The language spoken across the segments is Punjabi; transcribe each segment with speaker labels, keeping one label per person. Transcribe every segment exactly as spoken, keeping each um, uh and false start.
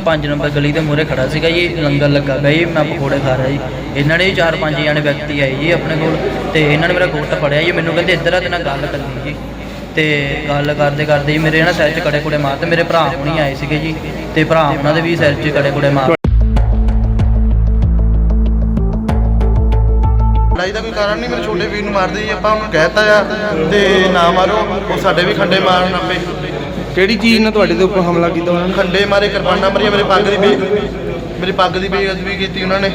Speaker 1: पाँच नंबर गली के मूहरे खड़ा सीगा जी, लंगर लगा पिया जी, मैं पकौड़े खा रहा जी। इन्होंने जी चार पाँच जाने व्यक्ति आए जी अपने कोल, ते इन्होंने मेरा गुੱਟ फड़िया जी, मैनू कहते इधर आ तेरे नाल गल करनी जी। तो गल करते करते जी मेरे ना सिर च कड़े कुड़े मारते, मेरे भरा होनी आए थे जी, तो भरा उन्होंने भी सिर च कड़े कुड़े मार।
Speaker 2: लड़ाई का कोई कारण नहीं, मेरे छोटे वीर नूं मारदे जी, आपां उन्होंने कहता आ ते ना मारो, वो साडे भी खंडे मारन आपे।
Speaker 3: ਕਿਹੜੀ ਚੀਜ਼ ਨਾਲ ਤੁਹਾਡੇ ਦੇ ਉੱਪਰ ਹਮਲਾ ਕੀਤਾ ਉਹਨਾਂ ਨੇ?
Speaker 2: खंडे मारे, किरपाना मारिया, मेरे पग की बे मेरी पग की बेइज्जती की उन्होंने।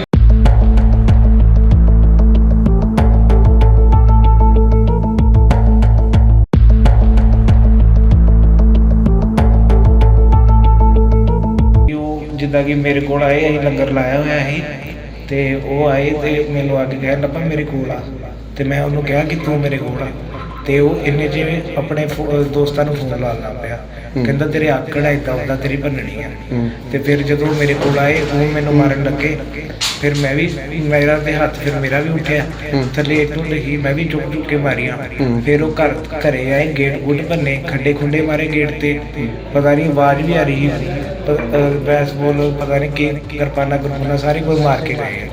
Speaker 4: ਜਿੱਦਾਂ ਕਿ ਮੇਰੇ ਕੋਲ ਆਏ, ਅਸੀਂ ਲੰਗਰ ਲਾਇਆ ਹੋਇਆ ਸੀ ਤੇ ਉਹ ਆਏ ਤੇ ਮੈਨੂੰ ਆ ਕੇ ਕਹਿਣ ਲੱਗਾ ਮੇਰੇ ਕੋਲ ਆ, ਤੇ ਮੈਂ ਉਹਨੂੰ ਕਿਹਾ ਕਿ ਤੂੰ ਮੇਰੇ ਕੋਲ ਆ, ਤੇ ਉਹ ਇੰਨੇ ਜਿਵੇਂ ਆਪਣੇ ਦੋਸਤਾਂ ਨੂੰ ਫੋਨ ਲਾ ਲਾ ਪਿਆ, ਕਹਿੰਦਾ ਤੇਰੇ ਆਕੜ ਇੱਦਾਂ ਉੱਦਾਂ ਤੇਰੀ ਭੰਨਣੀ ਆ। ਤੇ ਫਿਰ ਜਦੋਂ ਮੇਰੇ ਕੋਲ ਆਏ ਉਹ ਮੈਨੂੰ ਮਾਰਨ ਲੱਗੇ, ਫਿਰ ਮੈਂ ਵੀ ਮੇਰਾ ਤੇ ਹੱਥ ਫਿਰ ਮੇਰਾ ਵੀ ਉੱਠਿਆ ਥੱਲੇ, ਇੱਟੋਂ ਲੱਗੀ, ਮੈਂ ਵੀ ਚੁੱਕ ਚੁੱਕ ਕੇ ਮਾਰੀਆਂ। ਫਿਰ ਉਹ ਘਰ ਘਰੇ ਆਏ, ਗੇਟ ਗੁੱਟ ਭੰਨੇ, ਖੱਡੇ ਖੁੰਡੇ ਮਾਰੇ ਗੇਟ ਤੇ, ਪਤਾ ਨਹੀਂ ਆਵਾਜ਼ ਵੀ ਆ ਰਹੀ ਸੀ, ਬੈਸਬਾਲ ਪਤਾ ਨਹੀਂ ਕੀ ਕਿਰਪਾਨਾ ਕਿਰਪਾਨਾ ਸਾਰੇ ਕੋਈ ਮਾਰ ਕੇ ਗਏ।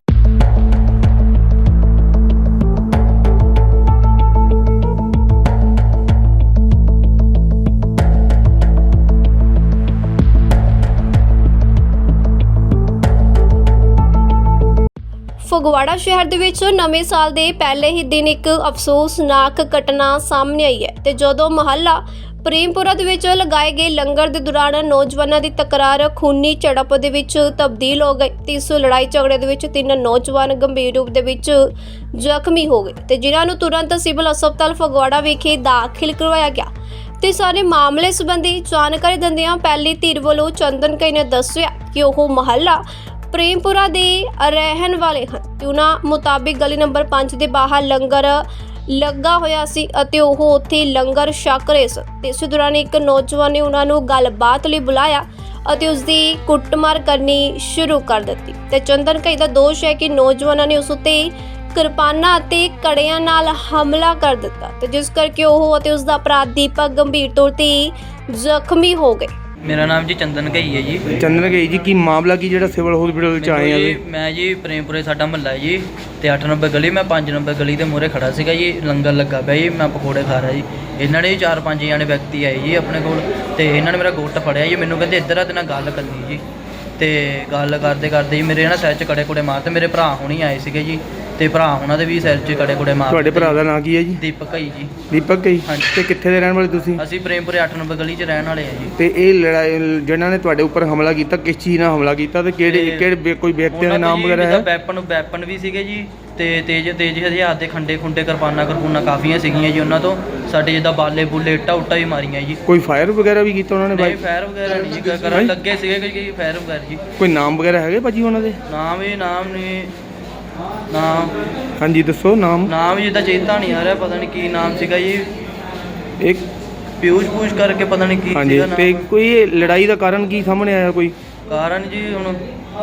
Speaker 5: ਫਗਵਾੜਾ ਸ਼ਹਿਰ ਦੇ ਵਿੱਚ ਨਵੇਂ ਸਾਲ ਦੇ ਪਹਿਲੇ ਹੀ ਦਿਨ ਇੱਕ ਅਫਸੋਸਨਾਕ ਘਟਨਾ ਸਾਹਮਣੇ ਆਈ ਹੈ ਤੇ ਜਦੋਂ ਮਹੱਲਾ ਪ੍ਰੇਮਪੁਰਾ ਦੇ ਵਿੱਚ ਲਗਾਏ ਗਏ ਲੰਗਰ ਦੇ ਦੌਰਾਨ ਨੌਜਵਾਨਾਂ ਦੀ ਤਕਰਾਰ ਖੂਨੀ ਝੜਪ ਦੇ ਵਿੱਚ ਤਬਦੀਲ ਹੋ ਗਈ ਤੇ ਇਸ ਲੜਾਈ ਝਗੜੇ ਦੇ ਵਿੱਚ ਤਿੰਨ ਨੌਜਵਾਨ ਗੰਭੀਰ ਰੂਪ ਦੇ ਵਿੱਚ ਜ਼ਖਮੀ ਹੋ ਗਏ ਤੇ ਜਿਨ੍ਹਾਂ ਨੂੰ ਤੁਰੰਤ ਸਿਵਲ ਹਸਪਤਾਲ ਫਗਵਾੜਾ ਵਿਖੇ ਦਾਖਲ ਕਰਵਾਇਆ ਗਿਆ। ਤੇ ਸਾਰੇ ਮਾਮਲੇ ਸੰਬੰਧੀ ਜਾਣਕਾਰੀ ਦਿੰਦਿਆਂ ਪਹਿਲੀ ਧਿਰ ਵੱਲੋਂ ਚੰਦਨ ਕਈ ਨੇ ਦੱਸਿਆ ਕਿ ਉਹ ਮਹੱਲਾ ਪ੍ਰੇਮਪੁਰਾ ਦੇ ਰਹਿਣ ਵਾਲੇ ਹਨ ਤੇ ਉਹਨਾਂ ਮੁਤਾਬਿਕ ਗਲੀ ਨੰਬਰ ਪੰਜ ਦੇ ਬਾਹਰ ਲੰਗਰ ਲੱਗਾ ਹੋਇਆ ਸੀ ਅਤੇ ਉਹ ਉੱਥੇ ਲੰਗਰ ਛਕ ਰਹੇ ਸਨ ਤੇ ਇਸ ਦੌਰਾਨ ਇੱਕ ਨੌਜਵਾਨ ਨੇ ਉਹਨਾਂ ਨੂੰ ਗੱਲਬਾਤ ਲਈ ਬੁਲਾਇਆ ਅਤੇ ਉਸ ਦੀ ਕੁੱਟਮਾਰ ਕਰਨੀ ਸ਼ੁਰੂ ਕਰ ਦਿੱਤੀ ਤੇ ਚੰਦਨ ਕਈ ਦਾ ਦੋਸ਼ ਹੈ ਕਿ ਨੌਜਵਾਨਾਂ ਨੇ ਉਸ ਉੱਤੇ ਕਿਰਪਾਨਾਂ ਅਤੇ ਕੜਿਆਂ ਨਾਲ ਹਮਲਾ ਕਰ ਦਿੱਤਾ ਤੇ ਜਿਸ ਕਰਕੇ ਉਹ ਅਤੇ ਉਸ ਦਾ ਭਰਾ ਦੀਪਕ ਗੰਭੀਰ ਤੌਰ ਤੇ ਜ਼ਖਮੀ ਹੋ ਗਏ।
Speaker 1: मेरा नाम जी चंदन घई है जी।
Speaker 3: ਚੰਦਨ ਗਈ ਜੀ, ਕੀ ਮਾਮਲਾ ਕੀ ਜਿਹੜਾ ਸਿਵਲ ਹਸਪੀਟਲ ਵਿੱਚ ਆਏ ਆ?
Speaker 1: जी मैं जी प्रेमपुरे साडा महल्ला है जी, तो अठ नंबर गली, मैं पाँच नंबर गली के मूहरे खड़ा सीगा जी, लंगर लगा पिया जी, मैं पकौड़े खा रहा जी। इन्होंने जी चार पाँच जाने व्यक्ति आए जी अपने कोल, तो इन्होंने मेरा गुੱਟ फड़िया जी, मैनू कहते इधर आ तेरे नाल गल करनी जी। तो गल करते करते जी मेरे ना सिर च कड़े कुड़े मारते, मेरे भरा होनी आए थे जी, ਤੇ ਭਰਾ ਉਹਨਾਂ ਦੇ ਵੀ ਸਿਰ 'ਚ ਕੜੇ ਕੁੜੇ ਮਾਰ।
Speaker 3: ਤੁਹਾਡੇ ਭਰਾ ਦਾ ਨਾਂ ਕੀ ਹੈ ਜੀ?
Speaker 1: ਦੀਪਕ ਘਈ ਜੀ।
Speaker 3: ਦੀਪਕ ਘਈ।
Speaker 1: ਹਾਂਜੀ।
Speaker 3: ਤੇ ਕਿੱਥੇ ਦੇ ਰਹਿਣ ਵਾਲੇ ਤੁਸੀਂ?
Speaker 1: ਅਸੀਂ ਪ੍ਰੇਮਪੁਰੇ ਅੱਠ ਨੰਬਰ ਗਲੀ 'ਚ ਰਹਿਣ ਵਾਲੇ ਆ ਜੀ।
Speaker 3: ਤੇ ਇਹ ਲੜਾਈ ਜਿਹਨਾਂ ਨੇ ਤੁਹਾਡੇ ਉੱਪਰ ਹਮਲਾ ਕੀਤਾ ਕਿਸ ਚੀਜ਼ ਨਾਲ ਹਮਲਾ ਕੀਤਾ ਤੇ ਕਿਹੜੇ ਕਿਹੜੇ ਕੋਈ ਵਿਅਕਤੀਆਂ ਦੇ ਨਾਮ ਵਗੈਰਾ ਹੈ?
Speaker 1: ਵੈਪਨ ਵੈਪਨ ਵੀ ਸੀਗੇ ਜੀ, ਤੇ ਤੇਜ਼ ਤੇਜ਼ ਹਥਿਆਰ ਦੇ ਖੰਡੇ ਖੁੰਡੇ ਕਿਰਪਾਨਾਂ ਕਿਰਪੂਨਾਂ ਕਾਫੀਆਂ ਸੀਗੀਆਂ ਜੀ ਉਹਨਾਂ ਤੋਂ, ਸਾਡੇ ਜਿੱਦਾਂ ਬਾਲੇ ਬੁੱਲੇ ਇੱਟਾਂ ਉੱਟਾਂ ਵੀ ਮਾਰੀਆਂ ਜੀ।
Speaker 3: ਕੋਈ ਫਾਇਰ ਵਗੈਰਾ ਵੀ ਕੀਤਾ ਉਹਨਾਂ ਨੇ?
Speaker 1: ਨਹੀਂ ਫਾਇਰ ਵਗੈਰਾ ਨਹੀਂ ਜੀ ਕਰਨ ਲੱਗੇ ਸੀਗੇ ਕੋਈ ਫਾਇਰ ਵਗੈਰਾ ਜੀ।
Speaker 3: ਕੋਈ ਨਾਮ ਵਗੈਰਾ ਹੈਗੇ ਭਾਜੀ ਉਹਨਾਂ ਦੇ?
Speaker 1: ਨਾਮ ਇਹ ਨਾਮ ਨਹੀਂ ਨਾਮ
Speaker 3: ਹਾਂਜੀ ਦੱਸੋ ਨਾਮ।
Speaker 1: ਨਾਮ ਜਿੱਦਾਂ ਚੇਤਾ ਨਹੀਂ ਆ ਰਿਹਾ, ਪਤਾ ਨਹੀਂ ਕੀ ਨਾਮ ਸੀਗਾ ਜੀ,
Speaker 3: ਇੱਕ
Speaker 1: ਪਿਊਸ਼ ਪੂਸ਼ ਕਰਕੇ ਪਤਾ ਨਹੀਂ ਕੀ
Speaker 3: ਹਾਂਜੀ। ਤੇ ਕੋਈ ਲੜਾਈ ਦਾ ਕਾਰਨ ਕੀ ਸਾਹਮਣੇ ਆਇਆ? ਕੋਈ
Speaker 1: ਕਾਰਨ ਜੀ ਹੁਣ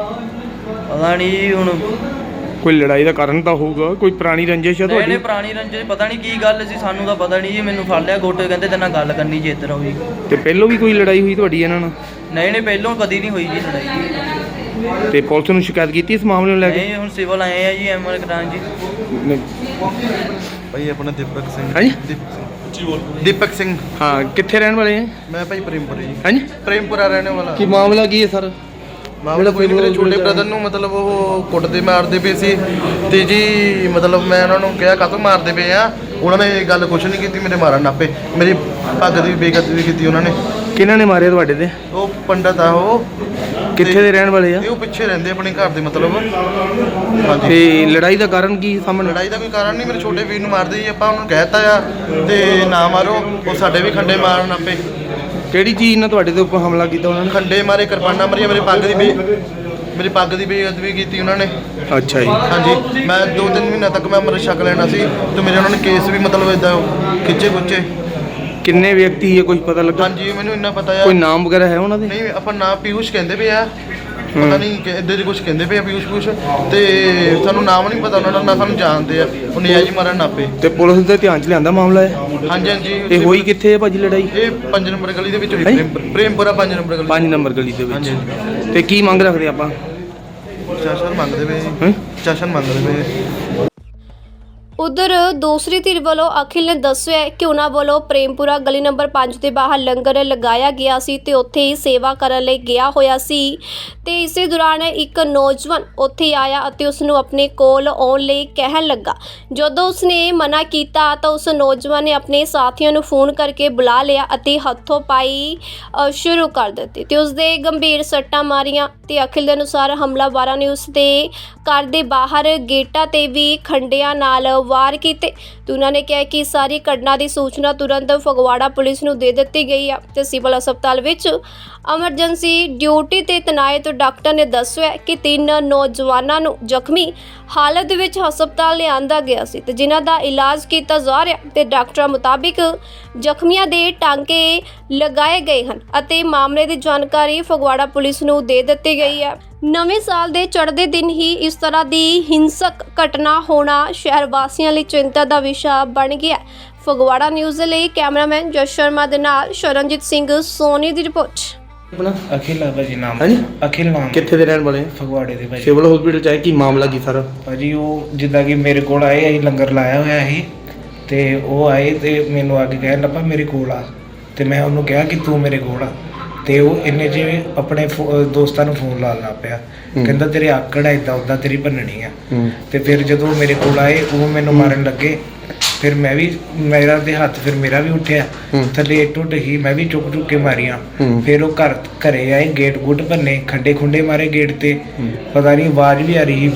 Speaker 1: ਪਤਾ ਨਹੀਂ ਜੀ, ਹੁਣ
Speaker 3: ਕੋਈ ਲੜਾਈ ਦਾ ਕਾਰਨ ਤਾਂ ਹੋਊਗਾ, ਕੋਈ ਪੁਰਾਣੀ ਰੰਜਿਸ਼ ਹੈ
Speaker 1: ਨਹੀਂ
Speaker 3: ਤੁਹਾਡੀ?
Speaker 1: ਪੁਰਾਣੀ ਰੰਜਿਸ਼ ਪਤਾ ਨਹੀਂ ਕੀ ਗੱਲ ਸੀ, ਸਾਨੂੰ ਤਾਂ ਪਤਾ ਨਹੀਂ ਜੀ। ਮੈਨੂੰ ਫੜ ਲਿਆ ਗੋਟੇ, ਕਹਿੰਦੇ ਤੇਰੇ ਨਾਲ ਗੱਲ ਕਰਨੀ ਜੀ, ਇੱਧਰ ਆਓ ਜੀ।
Speaker 3: ਤੇ ਪਹਿਲੋਂ ਵੀ ਕੋਈ ਲੜਾਈ ਹੋਈ ਤੁਹਾਡੀ ਇਹਨਾਂ ਨਾਲ?
Speaker 1: ਨਹੀਂ ਨਹੀਂ ਪਹਿਲੋਂ ਕਦੀ ਨਹੀਂ ਹੋਈ ਜੀ ਲੜਾਈ।
Speaker 3: ਤੇ ਪੁਲਿਸ ਨੂੰ ਸ਼ਿਕਾਇਤ ਕੀਤੀ ਇਸ ਮਾਮਲੇ ਨੂੰ ਲੈ ਕੇ?
Speaker 1: ਨਹੀਂ ਹੁਣ ਸਿਵਲ ਆਏ ਆ ਜੀ, ਐਮਐਲ ਕਰਾਨ ਜੀ।
Speaker 2: ਭਾਈ ਆਪਣਾ ਦੀਪਕ ਸਿੰਘ।
Speaker 3: ਹਾਂਜੀ
Speaker 2: ਦੀਪਕ ਸਿੰਘ।
Speaker 3: ਹਾਂ, ਕਿੱਥੇ ਰਹਿਣ ਵਾਲੇ ਹੈ?
Speaker 2: ਮੈਂ ਭਾਈ ਪ੍ਰੇਮਪੁਰੇ ਜੀ।
Speaker 3: ਹਾਂਜੀ,
Speaker 2: ਪ੍ਰੇਮਪੁਰਾ ਰਹਿਣੇ ਵਾਲਾ।
Speaker 3: ਕੀ ਮਾਮਲਾ ਕੀ ਹੈ ਸਰ?
Speaker 2: ਮਾਮਲਾ ਕੋਈ ਨਹੀਂ, ਮੇਰੇ ਛੋਟੇ ਬ੍ਰਦਰ ਨੂੰ ਮਤਲਬ ਉਹ ਕੁੱਟਦੇ ਮਾਰਦੇ ਪਏ ਸੀ ਤੇ ਜੀ ਮਤਲਬ ਮੈਂ ਉਹਨਾਂ ਨੂੰ ਕਿਹਾ ਕਾਹਤੋਂ ਮਾਰਦੇ ਪਏ ਆ, ਉਹਨਾਂ ਨੇ ਗੱਲ ਕੁਛ ਨਹੀਂ ਕੀਤੀ, ਮੇਰੇ ਮਾਰਨ ਨਾਪੇ, ਮੇਰੀ ਪੱਗ ਦੀ ਬੇਇੱਜ਼ਤੀ ਕੀਤੀ ਉਹਨਾਂ ਨੇ।
Speaker 3: ਕਿਹਨਾਂ ਨੇ ਮਾਰਿਆ ਤੁਹਾਡੇ ਤੇ?
Speaker 2: ਉਹ ਪੰਡਤ ਆ, ਉਹ
Speaker 3: ਕਿੱਥੇ ਦੇ ਰਹਿਣ ਵਾਲੇ ਆ?
Speaker 2: ਇਹ ਉਹ ਪਿੱਛੇ ਰਹਿੰਦੇ ਆਪਣੇ ਘਰ ਦੇ ਮਤਲਬ। ਹਾਂਜੀ।
Speaker 3: ਤੇ ਲੜਾਈ ਦਾ ਕਾਰਨ ਕੀ ਸਾਹਮਣੇ?
Speaker 2: ਲੜਾਈ ਦਾ ਕੋਈ ਕਾਰਨ ਨਹੀਂ, ਮੇਰੇ ਛੋਟੇ ਵੀਰ ਨੂੰ ਮਾਰਦੇ ਜੀ, ਆਪਾਂ ਉਹਨੂੰ ਕਹਿਤਾ ਆ ਤੇ ਨਾ ਮਾਰੋ, ਉਹ ਸਾਡੇ ਵੀ ਖੰਡੇ ਮਾਰਨ ਆਪੇ।
Speaker 3: ਕਿਹੜੀ ਚੀਜ਼ ਨਾਲ ਤੁਹਾਡੇ ਦੇ ਉੱਪਰ ਹਮਲਾ ਕੀਤਾ ਉਹਨਾਂ ਨੇ?
Speaker 2: ਖੰਡੇ ਮਾਰੇ, ਕਿਰਪਾਨਾਂ ਮਾਰੀਆਂ, ਮੇਰੀ ਪੱਗ ਦੀ ਬੇ ਮੇਰੀ ਪੱਗ ਦੀ ਬੇਇੱਜ਼ਤੀ ਕੀਤੀ ਉਹਨਾਂ ਨੇ।
Speaker 3: ਅੱਛਾ ਜੀ।
Speaker 2: ਹਾਂਜੀ, ਮੈਂ ਦੋ ਤਿੰਨ ਮਹੀਨਾ ਤੱਕ ਮੈਂ ਅੰਮ੍ਰਿਤ ਛਕ ਲੈਣਾ ਸੀ ਤੇ ਮੇਰੇ ਉਹਨਾਂ ਨੇ ਕੇਸ ਵੀ ਮਤਲਬ ਇਦਾਂ ਖਿੱਚੇ ਖੁੱਚੇ।
Speaker 3: ਕਿੰਨੇ ਵਿਅਕਤੀ ਹੈ ਕੁਝ ਪਤਾ ਲੱਗਾ?
Speaker 2: ਹਾਂਜੀ ਮੈਨੂੰ ਇੰਨਾ ਪਤਾ ਆ।
Speaker 3: ਕੋਈ ਨਾਮ ਵਗੈਰਾ ਹੈ ਉਹਨਾਂ ਦੇ?
Speaker 2: ਨਹੀਂ ਆਪਾਂ ਨਾਮ ਪਿਊਸ਼ ਕਹਿੰਦੇ ਪਏ ਆ, ਪਤਾ ਨਹੀਂ ਕਿ ਇੱਦਾਂ ਦੇ ਕੁਝ ਕਹਿੰਦੇ ਪਏ ਆ ਵੀ ਕੁਛ ਕੁਛ ਤੇ ਸਾਨੂੰ ਨਾਮ ਨਹੀਂ ਪਤਾ ਉਹਨਾਂ ਦਾ, ਨਾ ਸਾਨੂੰ ਜਾਣਦੇ ਆ। ਉਹ ਨਿਆਜੀ ਮਾਰਨ ਨਾਪੇ।
Speaker 3: ਤੇ ਪੁਲਿਸ ਦੇ ਧਿਆਨ 'ਚ ਲਿਆਂਦਾ ਮਾਮਲਾ ਹੈ?
Speaker 2: ਹਾਂਜੀ ਹਾਂਜੀ।
Speaker 3: ਤੇ ਹੋਈ ਕਿੱਥੇ ਹੈ ਭਾਜੀ ਲੜਾਈ?
Speaker 2: ਇਹ ਪੰਜ ਨੰਬਰ ਗਲੀ ਦੇ ਵਿੱਚ ਹੋਈ,
Speaker 3: ਹੈਂ?
Speaker 2: ਪ੍ਰੇਮ- ਪ੍ਰੇਮਪੁਰਾ ਪੰਜ ਨੰਬਰ ਗਲੀ।
Speaker 3: ਪੰਜ ਨੰਬਰ ਗਲੀ ਦੇ
Speaker 2: ਹਾਂਜੀ
Speaker 3: ਵਿੱਚ। ਤੇ ਕੀ ਮੰਗ ਰੱਖਦੇ ਆਪਾਂ?
Speaker 2: ਚਾਸ਼ਨ ਮੰਗਦੇ ਪਏ
Speaker 3: ਹੈਂ?
Speaker 2: ਚਾਸ਼ਨ ਮੰਗਦੇ ਪਏ।
Speaker 5: ਉਧਰ ਦੂਸਰੀ ਧਿਰ ਵੱਲੋਂ ਅਖਿਲ ਨੇ ਦੱਸਿਆ ਹੈ ਕਿ ਉਹਨਾਂ ਵੱਲੋਂ ਪ੍ਰੇਮਪੁਰਾ ਗਲੀ ਨੰਬਰ ਪੰਜ ਦੇ ਬਾਹਰ ਲੰਗਰ ਲਗਾਇਆ ਗਿਆ ਸੀ ਤੇ ਉੱਥੇ ਹੀ ਸੇਵਾ ਕਰਨ ਲਈ ਗਿਆ ਹੋਇਆ ਸੀ ਤੇ ਇਸੇ ਦੌਰਾਨ ਇੱਕ ਨੌਜਵਾਨ ਉੱਥੇ ਆਇਆ ਅਤੇ ਉਸ ਨੂੰ ਆਪਣੇ ਕੋਲ ਆਉਣ ਲਈ ਕਹਿਣ ਲੱਗਾ। ਜਦੋਂ ਉਸਨੇ ਮਨਾ ਕੀਤਾ ਤਾਂ ਉਸ ਨੌਜਵਾਨ ਨੇ ਆਪਣੇ ਸਾਥੀਆਂ ਨੂੰ ਫੋਨ ਕਰਕੇ ਬੁਲਾ ਲਿਆ ਅਤੇ ਹੱਥੋਂ ਪਾਈ ਅ, ਸ਼ੁਰੂ ਕਰ ਦਿੱਤੀ ਤੇ ਉਸ ਦੇ ਗੰਭੀਰ ਸੱਟਾਂ ਮਾਰੀਆਂ ਤੇ ਅਖਿਲ ਦੇ ਅਨੁਸਾਰ ਹਮਲਾਵਰਾਂ ਨੇ ਉਸ ਦੇ ਘਰ ਦੇ ਬਾਹਰ ਗੇਟਾਂ ਤੇ ਵੀ ਖੰਡਿਆਂ ਨਾਲ ਵਾਰ ਕੀਤੇ ਤੇ ਉਹਨਾਂ ਨੇ ਕਿਹਾ ਕਿ ਸਾਰੀ ਘਟਨਾ ਦੀ ਸੂਚਨਾ ਤੁਰੰਤ ਫਗਵਾੜਾ ਪੁਲਿਸ ਨੂੰ ਦੇ ਦਿੱਤੀ ਗਈ ਹੈ ਤੇ ਸਿਵਲ ਹਸਪਤਾਲ ਵਿੱਚ ਐਮਰਜੈਂਸੀ ਡਿਊਟੀ ਤੇ ਤੈਨਾਤ ਡਾਕਟਰ ਨੇ ਦੱਸਿਆ ਕਿ ਤਿੰਨ ਨੌਜਵਾਨਾਂ ਨੂੰ ਜ਼ਖਮੀ ਹਾਲਤ ਵਿੱਚ ਹਸਪਤਾਲ ਲਿਆਂਦਾ ਗਿਆ ਸੀ ਤੇ ਜਿਨ੍ਹਾਂ ਦਾ ਇਲਾਜ ਕੀਤਾ ਜਾ ਰਿਹਾ ਤੇ ਡਾਕਟਰਾਂ ਮੁਤਾਬਿਕ ਜ਼ਖਮੀਆਂ ਦੇ ਟਾਂਕੇ ਲਗਾਏ ਗਏ ਹਨ ਅਤੇ ਮਾਮਲੇ ਦੀ ਜਾਣਕਾਰੀ ਫਗਵਾੜਾ ਪੁਲਿਸ ਨੂੰ ਦੇ ਦਿੱਤੀ ਗਈ ਹੈ। ਨਵੇਂ ਸਾਲ ਦੇ ਚੜ੍ਹਦੇ ਦਿਨ ਹੀ ਇਸ ਤਰ੍ਹਾਂ ਦੀ ਹਿੰਸਕ ਘਟਨਾ ਹੋਣਾ ਸ਼ਹਿਰ ਵਾਸੀਆਂ ਲਈ ਚਿੰਤਾ ਦਾ ਵਿਸ਼ਾ ਬਣ ਗਿਆ। ਫਗਵਾੜਾ ਨਿਊਜ਼ ਦੇ ਲਈ ਕੈਮਰਾਮੈਨ ਜਸ ਸ਼ਰਮਾ ਦੇ ਨਾਲ ਸ਼ਰਨਜੀਤ ਸਿੰਘ ਸੋਨੀ ਦੀ ਰਿਪੋਰਟ।
Speaker 3: ਆਪਣਾ
Speaker 4: ਅਖਿਲ ਆ ਭਾਜੀ ਨਾਮ।
Speaker 3: ਹਾਂਜੀ?
Speaker 4: ਅਖਿਲ ਨਾਮ।
Speaker 3: ਕਿੱਥੇ ਦੇ ਰਹਿਣ ਵਾਲੇ?
Speaker 4: ਫਗਵਾੜੇ ਦੇ ਭਾਜੀ।
Speaker 3: ਸਿਵਲ ਹਸਪੀਟਲ 'ਚ ਆਏ, ਕੀ ਮਾਮਲਾ ਕੀ ਸਾਰਾ?
Speaker 4: ਭਾਜੀ ਉਹ ਜਿੱਦਾਂ ਕਿ ਮੇਰੇ ਕੋਲ ਆਏ, ਅਸੀਂ ਲੰਗਰ ਲਾਇਆ ਹੋਇਆ ਸੀ ਤੇ ਉਹ ਆਏ ਤੇ ਮੈਨੂੰ ਆ ਕੇ ਕਹਿਣ ਲੱਗਾ ਮੇਰੇ ਕੋਲ ਆ ਤੇ ਮੈਂ ਉਹਨੂੰ ਕਿਹਾ ਕਿ ਤੂੰ ਮੇਰੇ ਕੋਲ ਆ ਤੇ ਉਹ ਇੰਨੇ ਜਿਵੇਂ ਆਪਣੇ ਫੋ- ਅਹ ਦੋਸਤਾਂ ਨੂੰ ਫੋਨ ਲਾਉਣ ਲੱਗ ਪਿਆ। ਕਹਿੰਦਾ ਤੇਰੇ ਆਕੜ ਆ ਇਦਾਂ ਉਦਾਂ ਤੇਰੀ ਭੰਨਣੀ ਆ।
Speaker 3: ਹੂੰ।
Speaker 4: ਤੇ ਫਿਰ ਜਦੋਂ ਮੇਰੇ ਕੋਲ ਆਏ ਉਹ ਮੈਨੂੰ ਮਾਰਨ ਲੱਗੇ। ਫਿਰ ਮੈਂ ਵੀ ਮੇਰਾ ਦੇ ਹੱਥ ਫਿਰ ਮੇਰਾ ਵੀ ਉੱਠਿਆ
Speaker 3: ਹੂੰ।
Speaker 4: ਥੱਲੇ ਟੁੱਟ ਗਈ, ਮੈਂ ਵੀ ਚੁੱਕ ਚੁੱਕ ਕੇ ਮਾਰੀਆਂ।
Speaker 3: ਹੂੰ।
Speaker 4: ਫਿਰ ਉਹ ਘਰ ਘਰੇ ਆਏ, ਗੇਟ ਗੁੱਟ ਭੰਨੇ, ਖੰਡੇ ਖੁੰਡੇ ਮਾਰੇ ਗੇਟ ਤੇ। ਪਤਾ ਨਹੀਂ ਆਵਾਜ਼ ਵੀ ਆ ਰਹੀ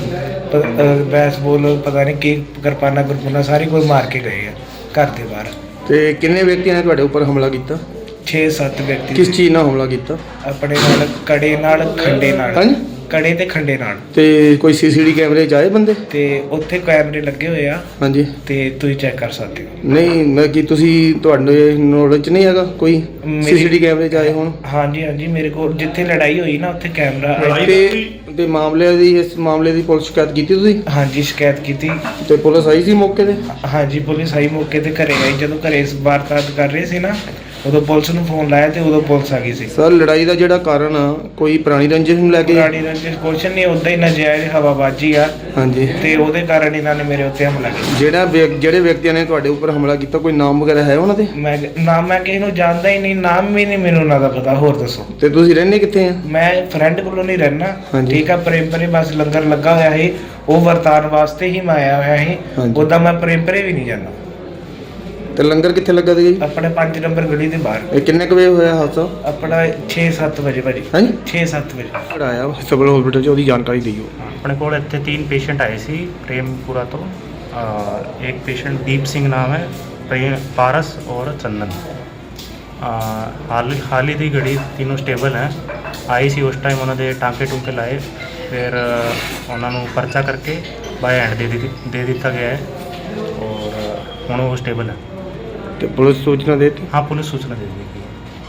Speaker 4: ਬੈਸਬਾਲ ਪਤਾ ਨਹੀਂ ਕੀ ਕਿਰਪਾਨਾ ਗੁਰਪਾਨਾ ਸਾਰੀ ਕੋਈ ਮਾਰ ਕੇ ਗਏ ਆ ਘਰ ਦੇ ਬਾਹਰ।
Speaker 3: ਤੇ ਕਿੰਨੇ ਵਿਅਕਤੀਆਂ ਨੇ ਤੁਹਾਡੇ ਉੱਪਰ ਹਮਲਾ ਕੀਤਾ?
Speaker 4: ਛੇ ਸੱਤ ਵਿਅਕਤੀ
Speaker 3: ਕਿਸ ਚੀਜ਼ ਨਾਲ ਹਮਲਾ ਕੀਤਾ?
Speaker 4: ਆਪਣੇ ਨਾਲ ਕੜੇ ਨਾਲ ਖੰਡੇ ਨਾਲ
Speaker 3: ਹਾਂਜੀ?
Speaker 4: ਕੜੇ ਤੇ ਖੰਡੇ ਨਾਲ।
Speaker 3: ਤੇ ਕੋਈ ਸੀਸੀਟੀ ਕੈਮਰੇ 'ਚ ਆਏ ਬੰਦੇ?
Speaker 4: ਤੇ ਉੱਥੇ ਕੈਮਰੇ ਲੱਗੇ ਹੋਏ ਆ
Speaker 3: ਹਾਂਜੀ।
Speaker 4: ਤੇ ਤੁਸੀਂ ਚੈੱਕ ਕਰ ਸਕਦੇ ਹੋ।
Speaker 3: ਨਹੀਂ, ਮੈਂ ਕੀ ਤੁਸੀਂ ਤੁਹਾਡੇ ਨੌਲੇਜ 'ਚ ਨਹੀਂ ਹੈਗਾ ਕੋਈ
Speaker 4: ਮੇਰੀ-
Speaker 3: ਸੀਸੀਟੀ ਕੈਮਰੇ 'ਚ ਆਏ ਹੋਣ?
Speaker 4: ਹਾਂਜੀ ਹਾਂਜੀ ਮੇਰੇ ਕੋਲ ਜਿੱਥੇ ਲੜਾਈ ਹੋਈ ਨਾ ਉੱਥੇ ਕੈਮਰਾ।
Speaker 3: ਤੇ ਤੇ ਮਾਮਲੇ ਦੀ ਇਸ ਮਾਮਲੇ ਦੀ ਪੁਲਿਸ ਸ਼ਿਕਾਇਤ ਕੀਤੀ ਤੁਸੀਂ?
Speaker 4: ਹਾਂਜੀ ਸ਼ਿਕਾਇਤ ਕੀਤੀ।
Speaker 3: ਤੇ ਪੁਲਿਸ ਆਈ ਸੀ ਮੌਕੇ ਤੇ?
Speaker 4: ਹਾਂਜੀ ਪੁਲਿਸ ਆਈ ਮੌਕੇ ਤੇ ਘਰੇ ਆਈ। ਜਦੋਂ ਘਰੇ ਇਸ ਵਾਰਦਾਤ ਕਰ ਰਹੇ ਸੀ ਨਾ ਉਦੋਂ ਪੁਲਿਸ ਨੂੰ ਫੋਨ ਲਾਇਆ ਤੇ ਉਦੋਂ ਪੁਲਿਸ ਆ ਗਈ ਸੀ।
Speaker 3: ਸਰ, ਲੜਾਈ ਦਾ ਜਿਹੜਾ ਕਾਰਨ ਆ ਕੋਈ ਪੁਰਾਣੀ ਰੰਜਿਸ਼ ਨੂੰ ਲੈ ਕੇ?
Speaker 4: ਪੁਰਾਣੀ ਰੰਜਿਸ਼ ਕੁਛ ਨਹੀਂ, ਉਦਾਂ ਹੀ ਨਜਾਇਜ਼ ਹਵਾਬਾਜੀ ਆ
Speaker 3: ਹਾਂਜੀ।
Speaker 4: ਤੇ ਉਹਦੇ ਕਾਰਨ ਇਹਨਾਂ ਨੇ ਮੇਰੇ ਉੱਤੇ ਹਮਲਾ ਕੀਤਾ।
Speaker 3: ਜਿਹੜਾ ਵਿਅਕ- ਜਿਹੜੇ ਵਿਅਕਤੀਆਂ ਨੇ ਤੁਹਾਡੇ ਉੱਪਰ ਹਮਲਾ ਕੀਤਾ ਕੋਈ ਨਾਮ ਵਗੈਰਾ ਹੈ ਉਹਨਾਂ ਦੇ?
Speaker 4: ਮੈਂ ਨਾਮ ਮੈਂ ਕਿਸੇ ਨੂੰ ਜਾਣਦਾ ਹੀ ਨਹੀਂ, ਨਾਮ ਵੀ ਨਹੀਂ ਮੈਨੂੰ ਉਹਨਾਂ ਦਾ ਪਤਾ। ਹੋਰ ਦੱਸੋ
Speaker 3: ਤੇ ਤੁਸੀਂ ਰਹਿੰਦੇ ਕਿੱਥੇ ਆ?
Speaker 4: ਮੈਂ ਫਰੈਂਡ ਕੋਲੋਂ ਨਹੀਂ ਰਹਿਣਾ।
Speaker 3: ਹਾਂਜੀ।
Speaker 4: ਠੀਕ ਆ, ਪ੍ਰੇਮਪਰੇ ਬਸ ਲੰਗਰ ਲੱਗਾ ਹੋਇਆ ਸੀ ਉਹ ਵਰਤਾਨ ਵਾਸਤੇ ਹੀ ਮੈਂ ਆਇਆ ਹੋਇਆ ਸੀ।
Speaker 3: ਹਾਂਜੀ।
Speaker 4: ਉਦਾਂ ਮੈਂ ਪ੍ਰੇਮਪਰੇ ਵੀ ਨਹੀਂ ਜਾਂਦਾ।
Speaker 3: ਤੇ ਲੰਗਰ ਕਿੱਥੇ ਲੱਗਾ ਸੀਗਾ ਜੀ?
Speaker 4: ਆਪਣੇ ਪੰਜ ਨੰਬਰ ਗਲੀ ਦੇ ਬਾਹਰ।
Speaker 3: ਇਹ ਕਿੰਨੇ ਕੁ ਵਜੇ ਹੋਇਆ ਹਾਦਸਾ?
Speaker 4: ਆਪਣਾ ਛੇ ਸੱਤ ਵਜੇ ਭਾਜੀ।
Speaker 3: ਹਾਂਜੀ।
Speaker 4: ਛੇ ਸੱਤ ਵਜੇ।
Speaker 3: ਜਿਹੜਾ ਆਇਆ ਸਿਵਲ ਹਸਪੀਟਲ 'ਚ ਉਹਦੀ ਜਾਣਕਾਰੀ ਦਿਓ।
Speaker 6: ਆਪਣੇ ਕੋਲ ਇੱਥੇ तीन ਪੇਸ਼ੈਂਟ ਆਏ ਸੀ ਪ੍ਰੇਮਪੁਰਾ ਤੋਂ। ਅ, ਇੱਕ ਪੇਸ਼ੈਂਟ ਦੀਪ ਸਿੰਘ ਨਾਮ ਹੈ, ਪ੍ਰੇਮ ਪਾਰਸ ਔਰ ਚੰਦਨ। ਅ, ਹਾਲ ਹਾਲ ਹੀ ਦੀ ਘੜੀ तीनों ਸਟੇਬਲ ਹੈ। ਆਈ ਸੀ ਉਸ ਟਾਈਮ ਉਹਨਾਂ ਦੇ ਟਾਂਕੇ ਟੂੰਕੇ ਲਾਏ, ਫਿਰ ਅ, ਉਹਨਾਂ ਨੂੰ ਪਰਚਾ ਕਰਕੇ ਬਾਏ ਹੈਂਡ ਦੇ ਦਿੱਤੀ ਦੇ ਦਿੱਤਾ ਗਿਆ ਹੈ ਔਰ ਹੁਣ ਉਹ ਸਟੇਬਲ ਹੈ।
Speaker 3: ਤੇ ਪੁਲਿਸ ਸੂਚਨਾ ਦੇ ਦਿੱਤੀ?
Speaker 6: हाँ पुलिस सूचना दे दी गई।